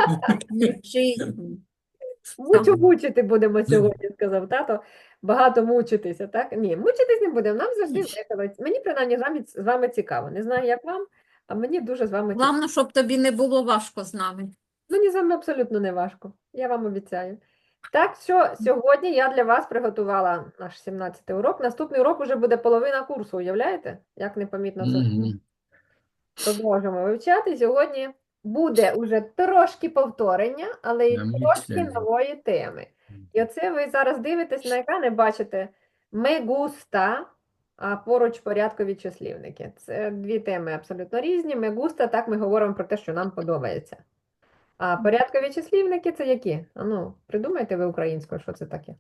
Мучити будемо сьогодні, сказав тато. Багато мучитися, так? Ні, мучитись не будемо. Нам завжди весело. Мені принаймні з вами цікаво. Не знаю, як вам, а мені дуже з вами цікаво. Головне, щоб тобі не було важко з нами. Мені з вами абсолютно не важко. Я вам обіцяю. Так що сьогодні я для вас приготувала наш 17-й урок. Наступний урок вже буде половина курсу, уявляєте? Як непомітно це. Мгм. Продовжимо вивчати. Сьогодні буде уже трошки повторення, але й трошки Замечательно. нової теми. І оце ви зараз дивитесь на екрани, бачите «me gusta», а поруч порядкові числівники. Це дві теми абсолютно різні. «Me gusta» – так ми говоримо про те, що нам подобається. А порядкові числівники – це які? А ну, придумайте ви українською, що це таке.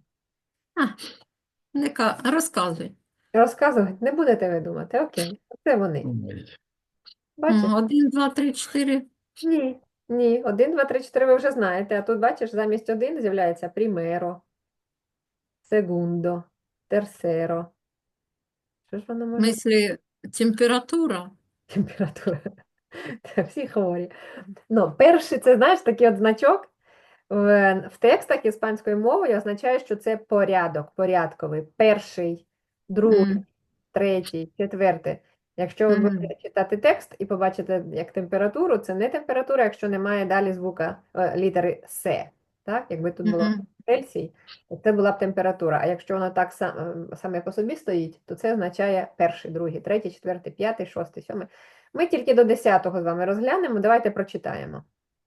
Розказуй. Розказувати не будете ви думати. Окей, це вони. Ой. Бачите? 1, 2, 3, 4. Ні, ні, 1, 2, 3, 4 ви вже знаєте, а тут, бачиш, замість 1 з'являється примеро, segundo, tercero. Що ж воно В може бути? смислі, температура. Температура. Та всі хворі. Ну, перший, це, знаєш, такий от значок в текстах іспанською мовою означає, що це порядок, порядковий. Перший, другий, М, третій, четвертий. Якщо ви мгм, будете читати текст і побачите як температуру, це не температура, якщо немає далі звука літери С. Так? Якби тут було мгм. Цельсій, то це була б температура. А якщо воно так саме по собі стоїть, то це означає перший, другий, третій, четвертий, п'ятий, шостий, сьомий. Ми тільки до 10-го з вами розглянемо. Давайте прочитаємо.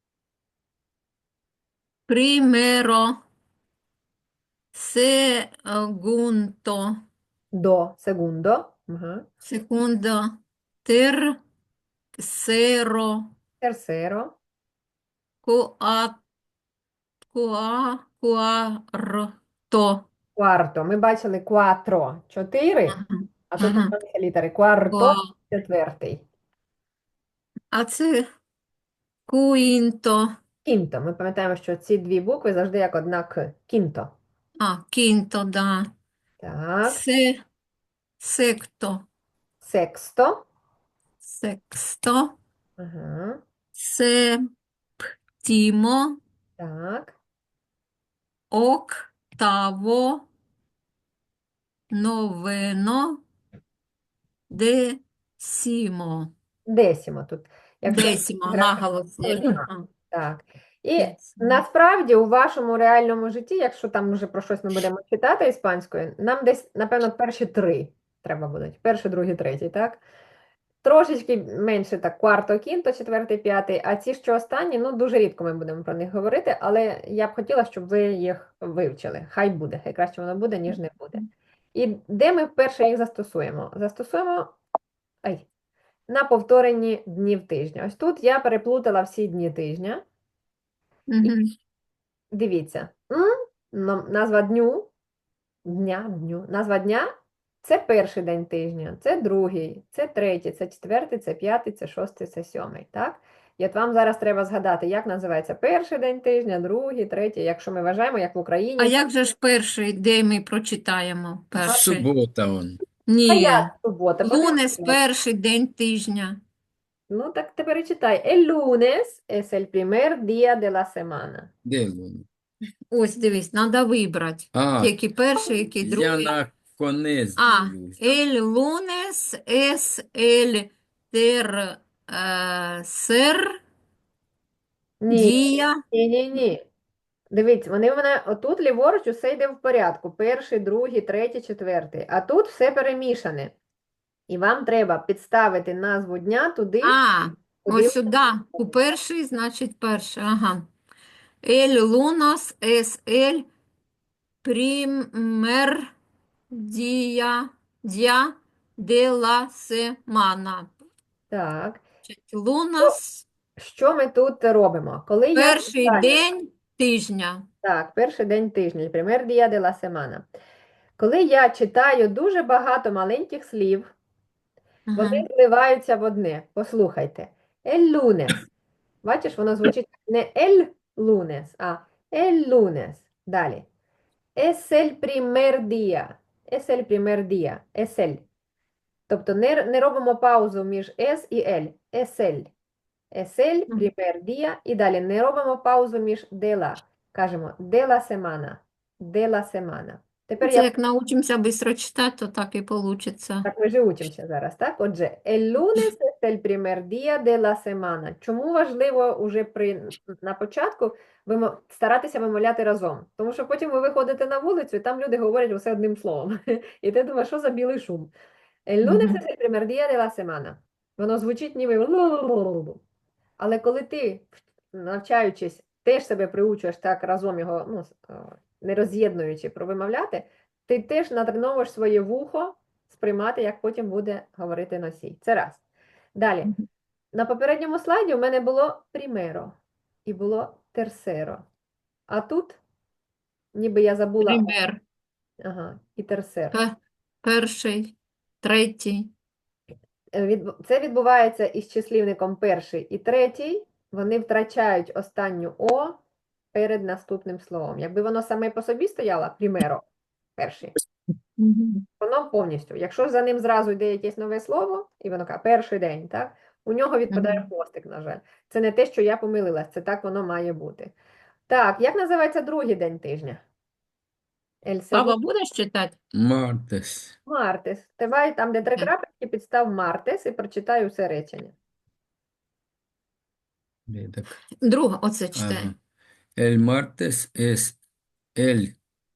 Примеро, segundo, До segundo. Ага. secondo, tercero, Tercero. cua- quarto. Quarto. Ми бачили quattro, 4, Ага, а тут ага. немає літери. Quarto, Qua- четвертий. А це quinto. Quinto. Ми пам'ятаємо, що ці дві букви завжди як одна К. Quinto. Quinto, да. Так. Secto, Sexto. sexto, Ага. séptimo, Так. octavo, noveno, décimo. Десімо тут. Якщо Décimo, графік наголос є. ага, Ага, так. І décimo. насправді у вашому реальному житті, якщо там вже про щось ми будемо читати іспанською, нам десь, напевно, перші три треба будуть. Перший, другий, третій, так? Трошечки менше так, кварто, кінто, четвертий, п'ятий, а ці, що останні, ну, дуже рідко ми будемо про них говорити, але я б хотіла, щоб ви їх вивчили. Хай буде, хай краще воно буде, ніж не буде. І де ми вперше їх застосуємо? Застосуємо на повторенні днів тижня. Ось тут я переплутала всі дні тижня. І Мгм. дивіться, назва дню, назва дня це перший день тижня, це другий, це третій, це четвертий, це п'ятий, це шостий, це сьомий. Так? І от вам зараз треба згадати, як називається перший день тижня, другий, третій, якщо ми вважаємо, як в А Україні. як же ж перший, де ми прочитаємо перший? Суббота он. А Ні, як субота? лунес Подивіться. перший день тижня. Ну, так тепер і читай. El lunes es el primer día de la semana. Де воно? Ось, дивись, треба вибрати. А, Який перший, який я другий. на конець А, дивлюсь. el lunes es el tercer Ні, día. ні. Дивіться, вони в мене отут ліворуч усе йде в порядку. Перший, другий, третій, четвертий. А тут все перемішане. І вам треба підставити назву дня туди, куди Ось сюди. У перший, значить перший. Ага. El lunes es el primer día de la semana. так. Lunes Що ми тут робимо? Коли я перший читаю, день тижня. так, перший день тижня, el primer día de la semana. Коли я читаю дуже багато маленьких слів, Ага. вони зливаються в одне. Послухайте. El lunes. Бачиш, воно звучить не el lunes, а el lunes. Далі. Es el primer día. Es el primer día. Es el. Тобто не робимо паузу між es і el. Es el. Es el Мгм. primer día. І далі не робимо паузу між de la. Кажемо de la semana. De la semana. Тепер Це я як научимося швидко читати, то так і получиться. Так, ми же учимося зараз, так? Отже, el lunes es el primer día de la semana. Чому важливо уже на початку старатися вимовляти разом? Тому що потім ви виходите на вулицю, і там люди говорять усе одним словом. І ти думаєш, що за білий шум? El lunes Мгм. es el primer día de la semana. Воно звучить ніби лу-лу-лу-лу-лу. Але коли ти, навчаючись, теж себе приучуєш так разом його, не роз'єднуючи, провимовляти, ти теж натреновуєш своє вухо сприймати, як потім буде говорити носій. Це раз. Далі. Мгм. На попередньому слайді у мене було primero і було tercero. А тут, ніби я забула, Пример. ага, і tercero. Перший, третій. Це відбувається із числівником перший і третій. Вони втрачають останню О перед наступним словом. Якби воно саме по собі стояло, примеро, перший, Мгм. воно повністю. Якщо за ним зразу йде якесь нове слово, і воно каже, перший день, так? У нього відпадає Мгм. хвостик, на жаль. Це не те, що я помилилась, це так воно має бути. Так, як називається другий день тижня? El Папа, segundo будеш читати? Martes. martes. Давай там, де три Окей. крапочки, підстав мартес і прочитай усе речення. Так, Друга, оце читай. ага. El martes es el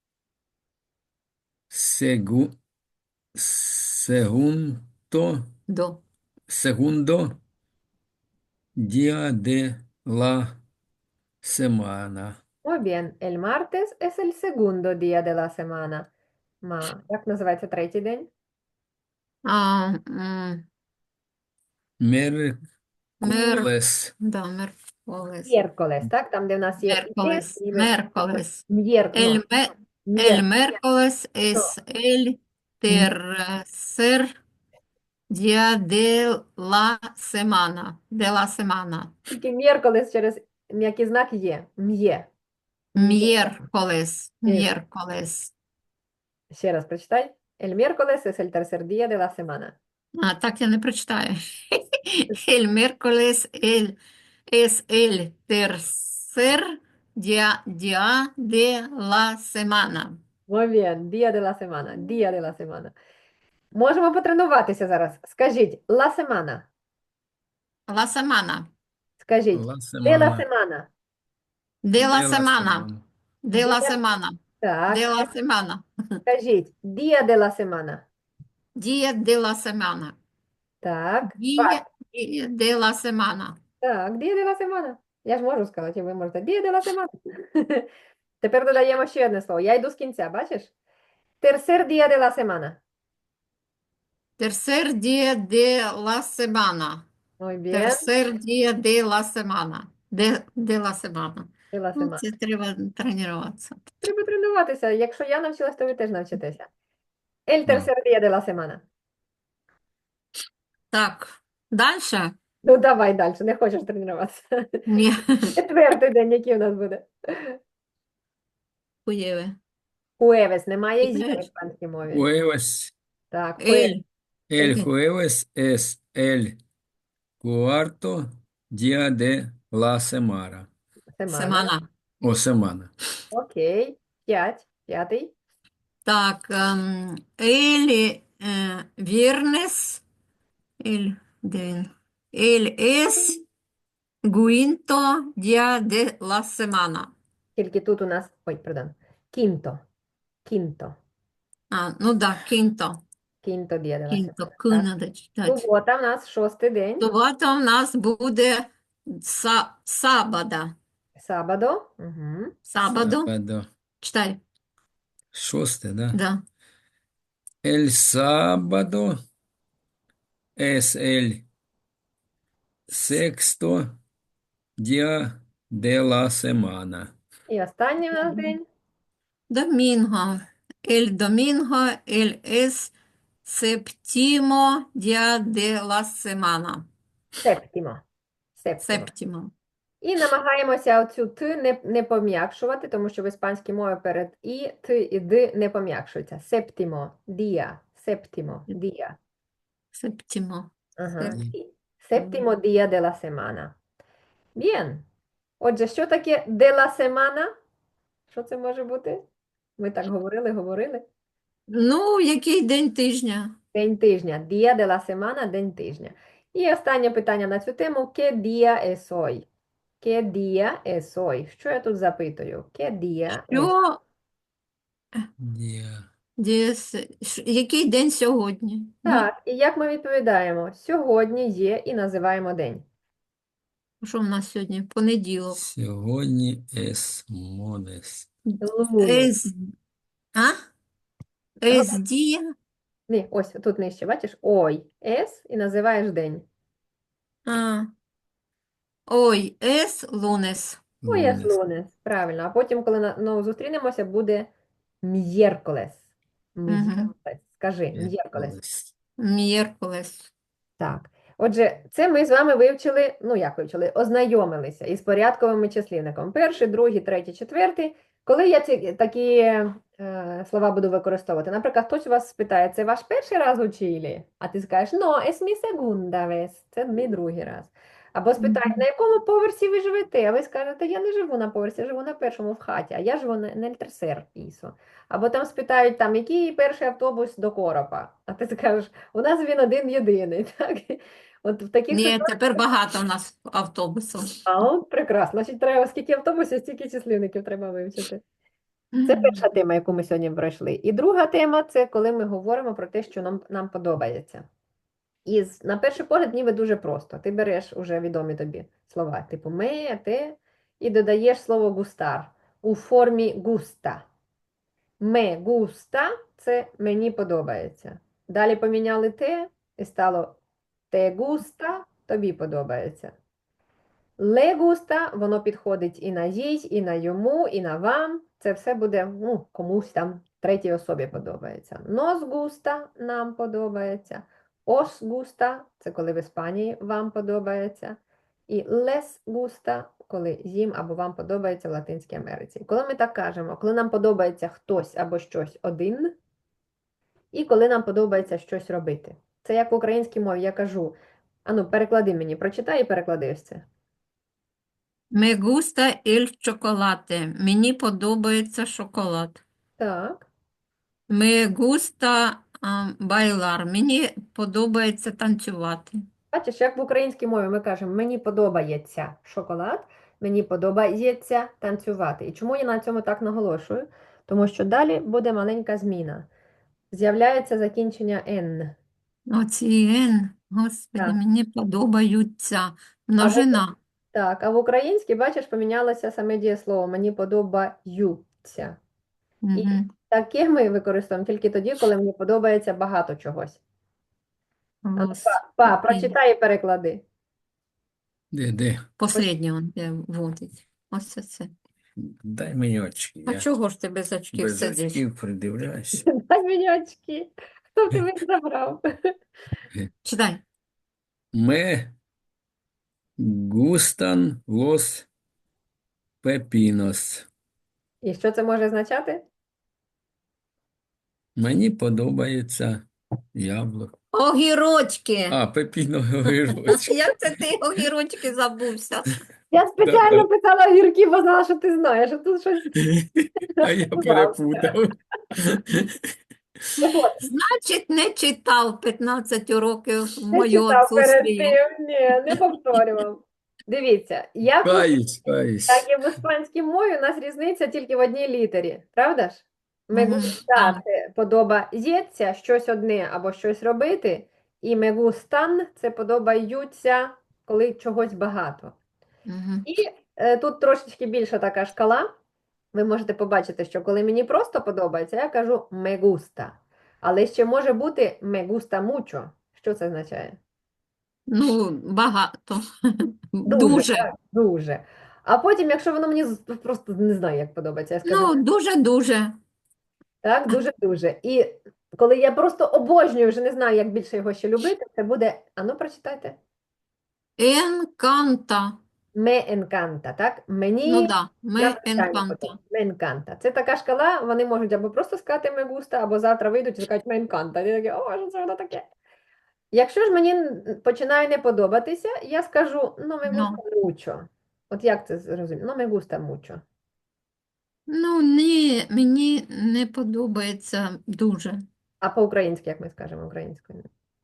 segu- segundo, До. segundo día de la semana. Muy bien, el martes es el segundo día de la semana. Як називається третій день? А, мер, Miércoles. да, мерколес. Мєрколес, так? Там, де в нас є є, Мерколес. ніби Мерколес. ну, El мєр, miércoles es el tercer día de la semana. De la semana. тільки мєрколес через м'який знак є. М'є. Miércoles. М'є. Miércoles. Ще раз прочитай. El miércoles es el tercer día de la semana. А, так я не прочитаю. El miércoles es el tercer día de la semana. Muy bien, día de la semana, día de la semana. Можемо потренуватися зараз. Скажіть, la semana. La semana. Скажіть, La de la semana. semana. De la De la semana. semana. De la Де- semana. Так, De la semana. скажіть, día de la semana. Día de la semana. Так, Día de la semana. так, día de la semana. Я ж можу сказати, і ви можете. Día de la semana. Тепер додаємо ще одне слово. Я йду з кінця, бачиш? Tercer día de la semana. Tercer día de la semana. Muy bien, Tercer día de la semana. De la semana. de la Ну, semana. це треба тренуватися. Треба тренуватися. Якщо я навчилась, то ви теж навчитеся. El Да. tercer día de la semana. Так, дальше? Ну, давай далі, не хочеш тренуватися. Ні. Четвертий день, який у нас буде? Хуєве. Jueves. Немає «зі» в Читаєш? іспанській мові. Jueves. Так, Ель. El Ель. jueves es el cuarto día de la semana. Семана. Семана. O semana. Окей. П'ятий. Так, ель viernes. Де він? Ель es quinto día de la semana. Тільки тут у нас, ой, perdón. Quinto. Quinto. А, ну да, quinto. Quinto día de la Quinto, semana. К Так. надо читати. Субота в нас шостий день. Субота у нас буде сабада. Sábado. Угу. Сабаду. Sábado. Читай. Шосте, да? Да. El sábado es el sexto día de la semana. І останній у нас день. Domingo. El domingo, el es séptimo día de la semana. Септімо. Септімо. Séptimo. І намагаємося оцю «т» не пом'якшувати, тому що в іспанській мові перед «і», «т» і «д» не пом'якшуються. Септімо, дія, септімо, дія. Séptimo. Ага. Сеп- І Септімо дія де ла семана. Bien. Отже, що таке de la semana? Що це може бути? Ми так говорили. Ну, який день тижня? День тижня. Día de la semana, день тижня. І останнє питання на цю тему. ¿Qué día es hoy? ¿Qué día es hoy? Що я тут запитую? ¿Qué día es? Що, Я. який день сьогодні? Ні? Так, і як ми відповідаємо? Сьогодні є і називаємо день. Що в нас сьогодні? Понеділок. Сьогодні es modes. Lunes. Ес, а? Ес дія? Ні, ось тут нижче, бачиш? Ой, es і називаєш день. А. Ой, ес лунес. Ой, es Lunes. lunes. Правильно. А потім, коли знову зустрінемося, буде miércoles. Мгм. Miércoles. Скажи, miércoles. Miércoles. Мєркулес. Так. Отже, це ми з вами вивчили, ну як вивчили, ознайомилися із порядковим числівником. Перший, другий, третій, четвертий. Коли я такі слова буду використовувати, наприклад, хтось у вас спитає, це ваш перший раз у Чилі? А ти скажеш, no, es mi segunda vez, це мій другий раз. Або спитають, на якому поверсі ви живете? А ви скажете, я не живу на поверсі, я живу на першому в хаті, а я живу на tercer piso. Або там спитають, там, який перший автобус до Коропа? А ти скажеш, у нас він один єдиний, так? От в таких Ні, тепер багато у нас автобусів. от прекрасно. Значить, треба скільки автобусів, стільки числівників треба вивчити. Це перша тема, яку ми сьогодні пройшли. І друга тема це коли ми говоримо про те, що нам подобається. І на перший погляд ніби дуже просто. Ти береш уже відомі тобі слова, типу ме, те, і додаєш слово густар у формі густа. Ме густа це мені подобається. Далі поміняли те і стало те густа, тобі подобається. Ле густа, воно підходить і на їй, і на йому, і на вам. Це все буде, ну, комусь там третій особі подобається. Нос густа нам подобається. Ос густа це коли в Іспанії вам подобається. І лес густа, коли їм або вам подобається в Латинській Америці. Коли ми так кажемо, коли нам подобається хтось або щось один, і коли нам подобається щось робити. Це як в українській мові я кажу, ану, переклади мені, прочитай і переклади ось це. Me gusta el chocolate. Мені подобається шоколад. Так. Me gusta bailar. Мені подобається танцювати. Бачиш, як в українській мові ми кажемо, мені подобається шоколад, мені подобається танцювати. І чому я на цьому так наголошую? Тому що далі буде маленька зміна. З'являється закінчення «н». Оці «н», господи, Так. мені подобаються. А в, Множина. так, а в українській, бачиш, помінялося саме дієслово «мені подобаються». І Мгм. таке ми використовуємо тільки тоді, коли мені подобається багато чогось. А ну, Господи. прочитай і переклади. Де? Последнє он де вводить. Ось це. Дай мені очки. А Я чого ж ти без очків без сидиш? очків придивляюсь. Дай мені очки. Хто в тебе їх забрав? Читай. Me gustan los pepinos. І що це може означати? Мені подобається яблуко. Огірочки. А, пепіно огірочки. Як це ти огірочки забувся? Я спеціально Да. писала огірки, бо знала, що ти знаєш, а тут щось А я перепутав. Так от, Значить, не читав 15 років в не мою читав перед отсутствие. тим, ні, не повторював. Дивіться, як Каюсь. і в іспанській мові у нас різниця тільки в одній літері, правда ж? Ми Мгм, густа так. це подобається щось одне або щось робити, і me gustan це подобаються, коли чогось багато. Мгм. І тут трошечки більша така шкала. Ви можете побачити, що коли мені просто подобається, я кажу me gusta. Але ще може бути me gusta mucho. Що це означає? Ну, багато. Дуже, Дуже. так, дуже. А потім, якщо воно мені просто не знаю, як подобається, я скажу Ну, дуже-дуже. так, дуже-дуже. І коли я просто обожнюю, вже не знаю, як більше його ще любити, це буде, ану, прочитайте. Енканта. Me encanta, так? Мені Ну, да. Ме надзвичайно енканта. подобається. Me encanta. Це така шкала, вони можуть або просто сказати me gusta, або завтра вийдуть і скажуть me encanta. І такі, о, що це воно таке? Якщо ж мені починає не подобатися, я скажу, ну, me Ну. gusta mucho. От як це зрозуміти? No me gusta mucho. Ну, ні, мені не подобається дуже. А по-українськи, як ми скажемо українською?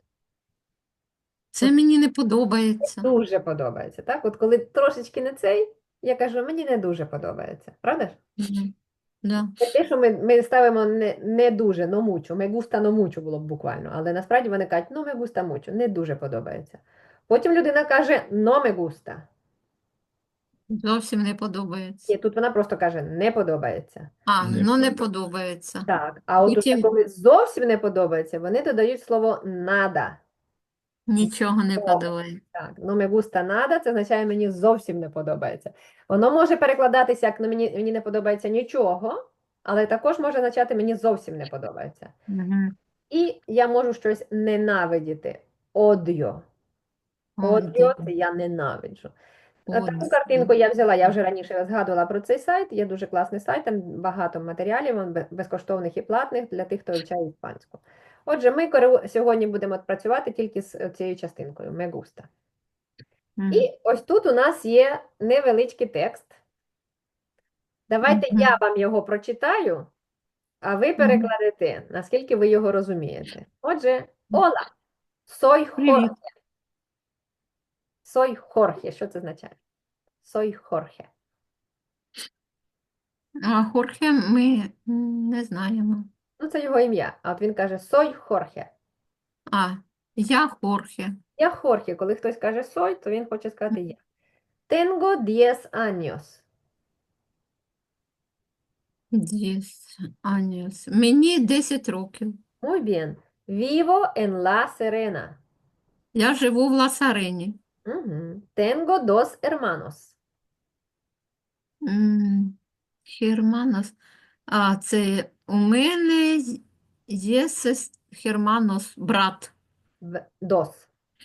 Це мені не подобається. Дуже подобається, так? От коли трошечки не цей, я кажу, мені не дуже подобається. Правда ж? Мгм. Да. Це те, що ми ставимо не дуже, но мучу. Ме густа, но мучу було б буквально. Але насправді вони кажуть, ну ме густа мучу, не дуже подобається. Потім людина каже, но ме густа. Зовсім не подобається. І тут вона просто каже, не подобається. Не Ну не подобається. подобається. Так, а от уже Потім коли зовсім не подобається, вони додають слово нада. нічого не О, подобається. так, ну me gusta nada, це означає мені зовсім не подобається. Воно може перекладатися як ну, мені не подобається нічого, але також може означати мені зовсім не подобається. Мгм. І я можу щось ненавидіти. Одіо. Одіо це я ненавиджу. Таку картинку я взяла, я вже раніше згадувала про цей сайт. Є дуже класний сайт, там багато матеріалів, безкоштовних і платних для тих, хто вивчає іспанську. Отже, ми сьогодні будемо працювати тільки з цією частинкою me gusta. Мгм. І ось тут у нас є невеличкий текст. Давайте Мгм. я вам його прочитаю, а ви Мгм. перекладете, наскільки ви його розумієте. Отже, Ола, soy Привіт. Jorge. Soy Jorge. Що це означає? Soy Jorge. А Хорхе ми не знаємо. Ну, це його ім'я. А от він каже soy Jorge. А, я Хорхе. Я Хорхе. Коли хтось каже soy, то він хоче сказати я. Tengo 10 años. 10 años. Мені 10 років. Muy bien. Vivo en La Serena. Я живу в Ласарені. Ujú. Tengo 2 hermanos. Херманос. А, це у мене є Херманос, брат. Dos.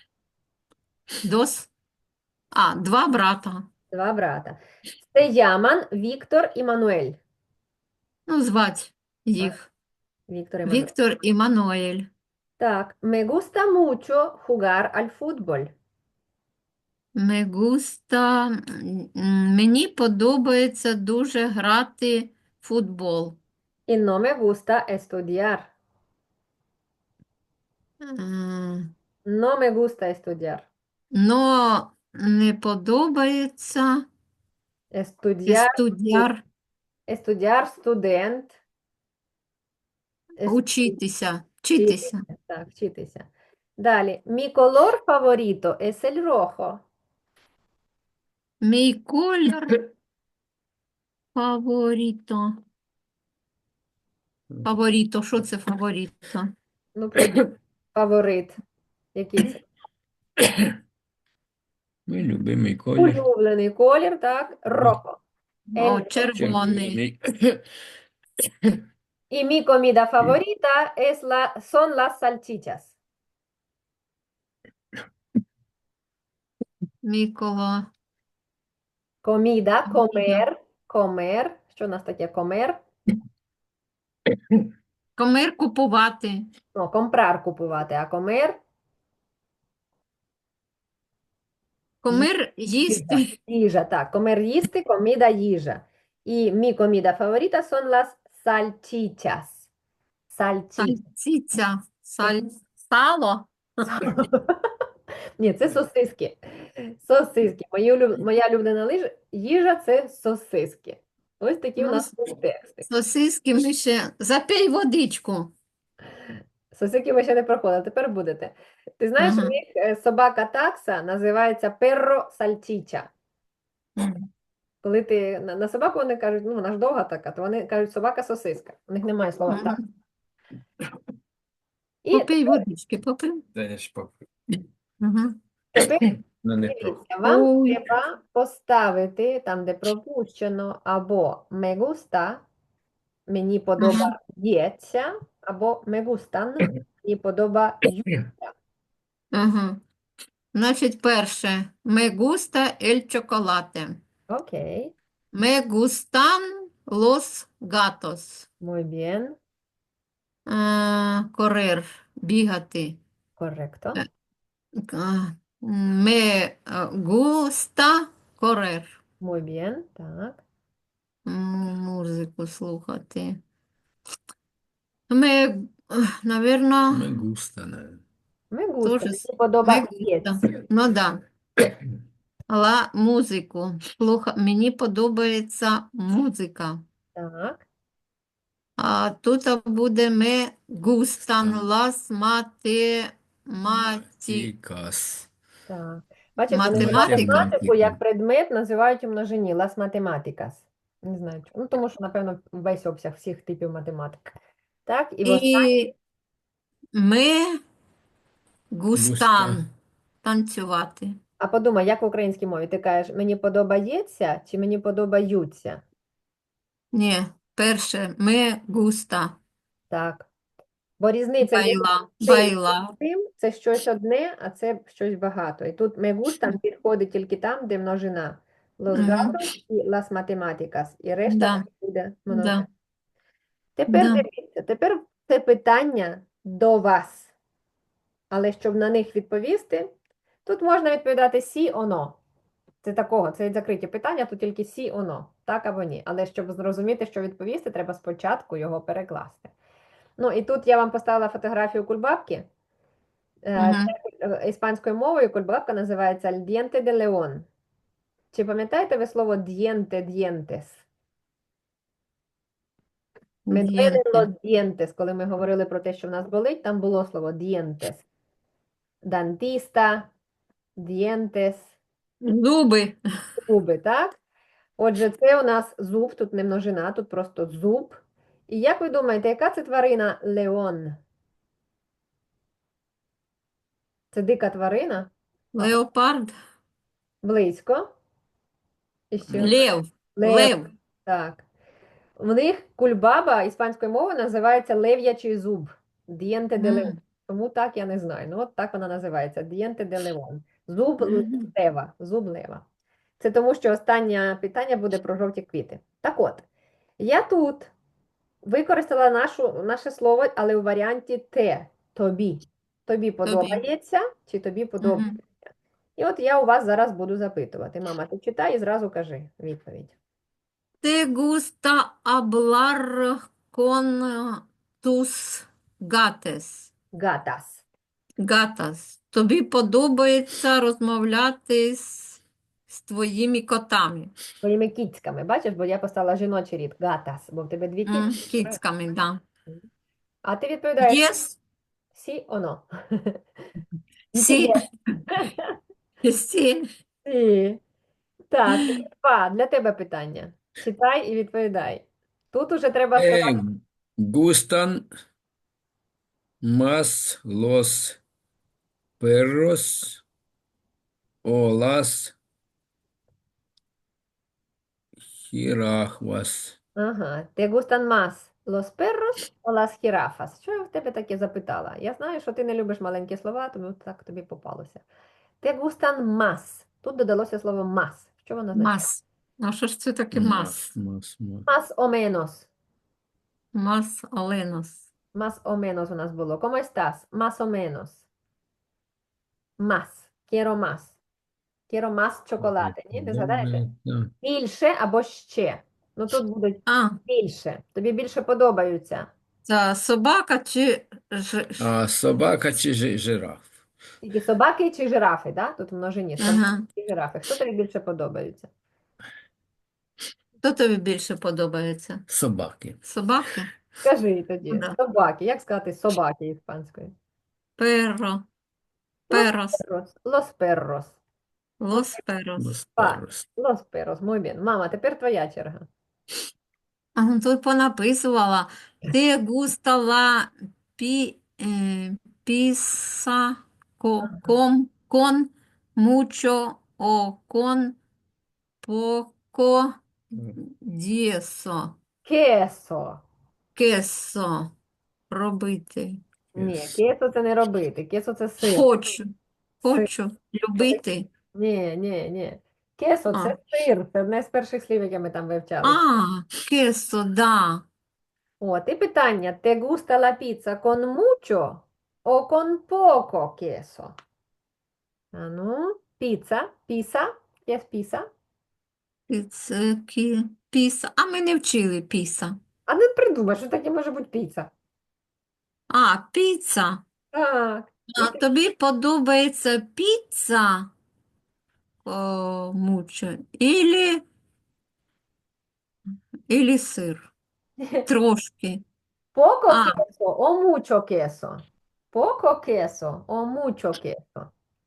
Дос. А, два брата. Два брата. Se llaman Víctor y Manuel. Ну, звать їх. Víctor y Manuel. Віктор і Мануель. Так, me gusta mucho jugar al fútbol. Me gusta, мені подобається дуже грати в футбол. Y no me gusta estudiar. Е, No me gusta estudiar. Но не подобається Estudiar, студіар estudiar, студент. учитися. Вчитися. Вчитися. Так, вчитися. Далі. Mi color favorito es el rojo. Мій колір фаворіто. Фаворіто, що це фаворіто? Ну, придумай. Фаворит. Який це? Мій любимий колір. Улюблений колір, так? Rojo. О, El червоний. Червоний. Y mi comida favorita son las salchichas. Мікола. Comida, Comida. comer. Що у нас таке comer? Комир купувати. Ну, comprar купувати, а comer Комир їсти. їжа, так. Comer їсти, comida їжа. І mi comida favorita son las salchichas. Salchichas. Сальциця. Сало. Ні, це сосиски. Сосиски. Моя улюблена їжа це сосиски. Ось такі у Ну, нас тут тексти. Сосиски ми ще. Запий водичку. Сосиски ви ще не проходили, тепер будете. Ти знаєш, у Ага. них собака такса називається перро сальчича. Коли ти на собаку вони кажуть, ну вона ж довга така, то вони кажуть собака сосиска. У них немає слова так. Мгм. І Попий водички, попий. Та я ж Мгм. тепер Ну, не дивіться, вам Ой. треба поставити там, де пропущено, або me gusta, мені подобається, або me gustan, мені подобається. Ага. Значить, перше. Me gusta el chocolate. Окей, Me gustan los gatos. muy bien, Корер. Бігати. корректо. Me gusta correr. Muy bien, так. Музику слухати. Ми, навірно, Me gusta, наверное. Me gusta, теж мені ми густа. подобається. Ну да. Але музику. Мені подобається музика. Так, А тут буде ми густан Густан. лас математикас. Тикас. так. Бачиш, вони ж Математика. математику як Математику. предмет називають у множині las matemáticas. Не знаю чому. Ну, тому що, напевно, весь обсяг всіх типів математики. Так, і в І ми Густа. густан танцювати. А подумай, як в українській мові? Ти кажеш, мені подобається чи мені подобаються? Ні, перше, ми густа. Так. Бо різниця між Байла, цим і байла. цим це щось одне, а це щось багато. І тут me gustan підходить тільки там, де множина. Los Мгм. gatos і las matemáticas. І решта Да, буде множина. да, Тепер да. дивіться, тепер це питання до вас. Але щоб на них відповісти, тут можна відповідати сі оно. Це такого, це закриті питання, тут тільки сі оно, так або ні. Але щоб зрозуміти, що відповісти, треба спочатку його перекласти. Ну і тут я вам поставила фотографію кульбабки. Мгм. Іспанською мовою кульбабка називається «el diente de león». Чи пам'ятаєте ви слово «diente, dientes»? Me duelen Дієнте. los dientes, коли ми говорили про те, що в нас болить, там було слово dientes. Dentista, dientes, Зуби. зуби, так? Отже, це у нас зуб, тут не множина, тут просто зуб. І як ви думаєте, яка це тварина леон? Це дика тварина? Леопард. Близько. І що? Лев. Лев. Лев. Так. В них кульбаба іспанською мовою називається лев'ячий зуб. Diente de león. М. Тому так я не знаю. Ну, от так вона називається. Diente de león. Зуб Мгм. лева. Зуб лева. Це тому, що останнє питання буде про жовті квіти. Так от, я тут використала наше слово, але у варіанті те. Тобі. Тобі Тобі. подобається чи тобі подобається? Мгм. І от я у вас зараз буду запитувати. Мама, ти читай і зразу кажи відповідь. Te gusta hablar con tus gates. Gatas. Gatas. Тобі подобається розмовляти з твоїми котами. Своїми кіцьками, бачиш, бо я поставила жіночий рід, гатас, бо в тебе дві кіцьки. Кіцьками, да. А ти відповідаєш Yes, сі оно. сі, Інтересно. сі. Сі. Так, два, для тебе питання. Читай і відповідай. Тут уже треба сказати Gustan más los perros o las jirafas. ага, ¿te gustan más los perros o las jirafas? Що я в тебе таке запитала? Я знаю, що ти не любиш маленькі слова, тому так тобі попалося. ¿Te gustan más? Тут додалося слово más. Що воно означає? Мас. А що ж це таке Más, мас? más, más. Más o menos. Мас Оленос. Más o menos у нас було. ¿Cómo estás? Más o menos. Más. Quiero más. Quiero más chocolate. Ні, не згадаєте? Добре, Більше або ще. Ну тут будуть А, більше. Тобі більше подобаються. це собака чи А собака чи жираф? Тільки собаки чи жирафи, да? Тут в множині. Собаки Ага. і жирафи. Хто тобі більше подобаються? Хто тобі більше подобається? Собаки. Собаки? Скажи тоді. Да. Собаки. Як сказати собаки іспанською? Перро. Los Перос. perros. Los perros. Лос перос. Los Так. perros. Los perros. Muy bien. Мама, тепер твоя черга. А ну, тут понаписувала. Те густа ла піса кон мучо о кон поко дєсо. Queso. Кесо. Робити. Ні, кесо це не робити. Кесо це сир. Хочу. Сир. Хочу. Любити. Ні. Кесо А. це сир. Це одне з перших слів, яке ми там вивчали. А, кесо, да. От, і питання. ¿Te gusta la pizza con mucho o con poco queso? А ну, піца. Піса. Є піса. Піса. А ми не вчили піса. А не придумай, що таке може бути піца. А, піца. Так. А тобі подобається піца? О, мучо. Ілі сир. Трошки. Poco А, queso o mucho queso. Poco queso o mucho queso.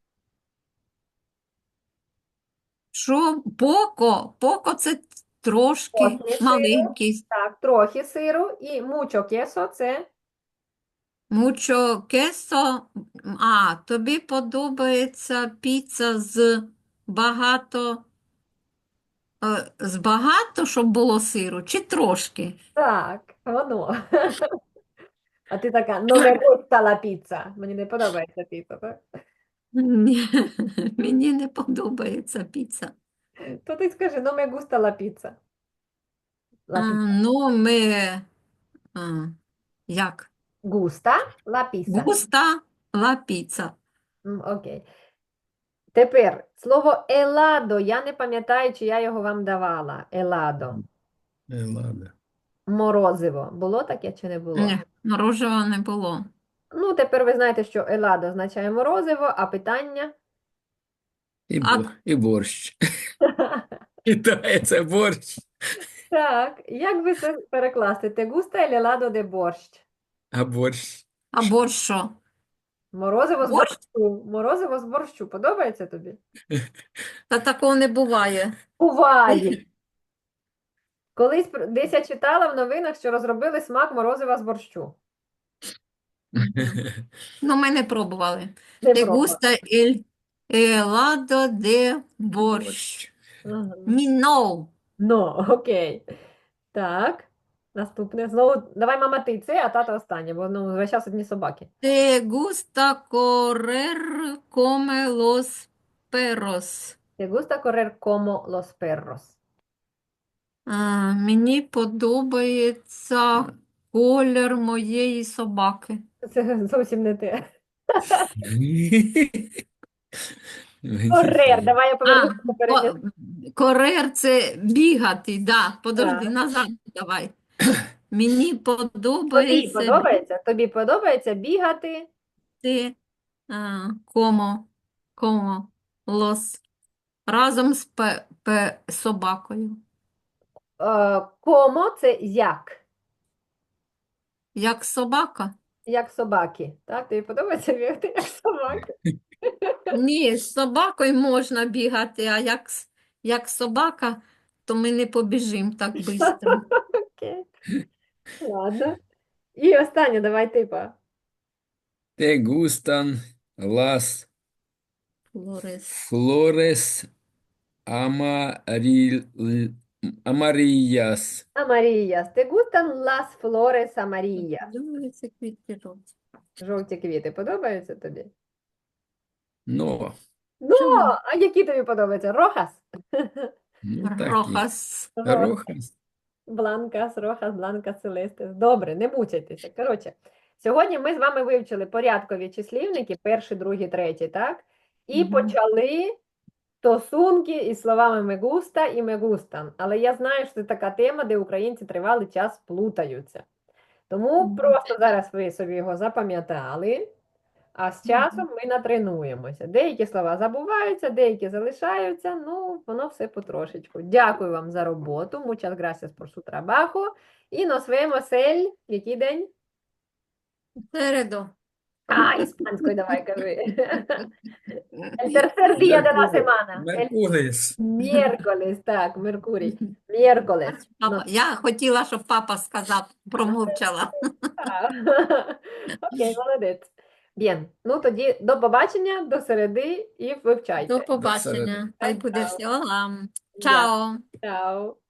що? Поко. Поко це трошки Трохи сиру. маленький. Так, трохи сиру і mucho queso це Мучо кесо. А, тобі подобається піца з багато, щоб було сиру, чи трошки? так, воно. А ти така, no me gusta la pizza. Мені не подобається піца, так? Ні, мені не подобається піца. То ти скажи, no me gusta la pizza. La pizza. Ну, а, як? Gusta la pizza. Густа ла піца. Окей. Тепер слово еладо. Я не пам'ятаю, чи я його вам давала. Еладо. Ладно. Морозиво. Було таке чи не було? Ні, мороженого не було. Ну, тепер ви знаєте, що еладо означає морозиво, а питання? І борщ. Китає це борщ. Так, як би це перекласти? Те густа ель еладо де борщ? А борщ. Або що? Морозиво з Борщ? борщу. Морозиво з борщу. Подобається тобі? Та такого не буває. Буває. Колись десь я читала в новинах, що розробили смак морозива з борщу. Ну, ми не пробували. Не Те пробувала. густа ель еладо де борщ. Ага. Ні, no. Ну, окей. Так. Наступне. Знову, давай, мама, ти це, а тата останнє, бо ну, весь час одні собаки. Te gusta correr come los perros. Te gusta correr como los perros. Мені подобається колір моєї собаки. Це зовсім не те. Мені Корер, теж. давай я повернуся до попереднього. Корер це бігати, да. Подожди, Так. назад давай. Мені Тобі подобається подобається? Тобі подобається бігати? бігти комо лос разом з собакою. Комо це як? Як собака? Як собаки. Так, тобі подобається бігати як собаки? Ні, з собакою можна бігати, а як собака, то ми не побіжимо так швидко. Окей. Ладно. І останнє, давай типа. Te gustan las Флорес. flores amaril- amarillas. Amarillas. ¿Te gustan las flores amarillas? Подивися, квітки жовті. Жовті квіти подобаються тобі? No, Ну, Чому? а які тобі подобаються? Рохас? ну такі. Рохас. Рохас. Бланкас, Рохас, Бланкас, Селестес. Добре, не мучайтеся. Коротше, сьогодні ми з вами вивчили порядкові числівники, перший, другий, третій, так? І Мгм. почали стосунки із словами «мегуста» і «мегустан». Але я знаю, що це така тема, де українці тривалий час плутаються. Тому Мгм. просто зараз ви собі його запам'ятали, а з часом ми натренуємося. Деякі слова забуваються, деякі залишаються, ну, воно все потрошечку. Дякую вам за роботу. Muchas gracias por su trabajo. І nos vemos el... Який день? Середу. А, іспанською давай кажи. El tercer día de la semana. El Меркуріс. miércoles, так, Меркурій. Miércoles. Папа. Я хотіла, щоб папа сказав, промовчала. Окей, молодець. Bien. Ну тоді до побачення, до середи і вивчайте. До побачення. Хай буде Чао. всього вам. Дякую. Чао. Чао.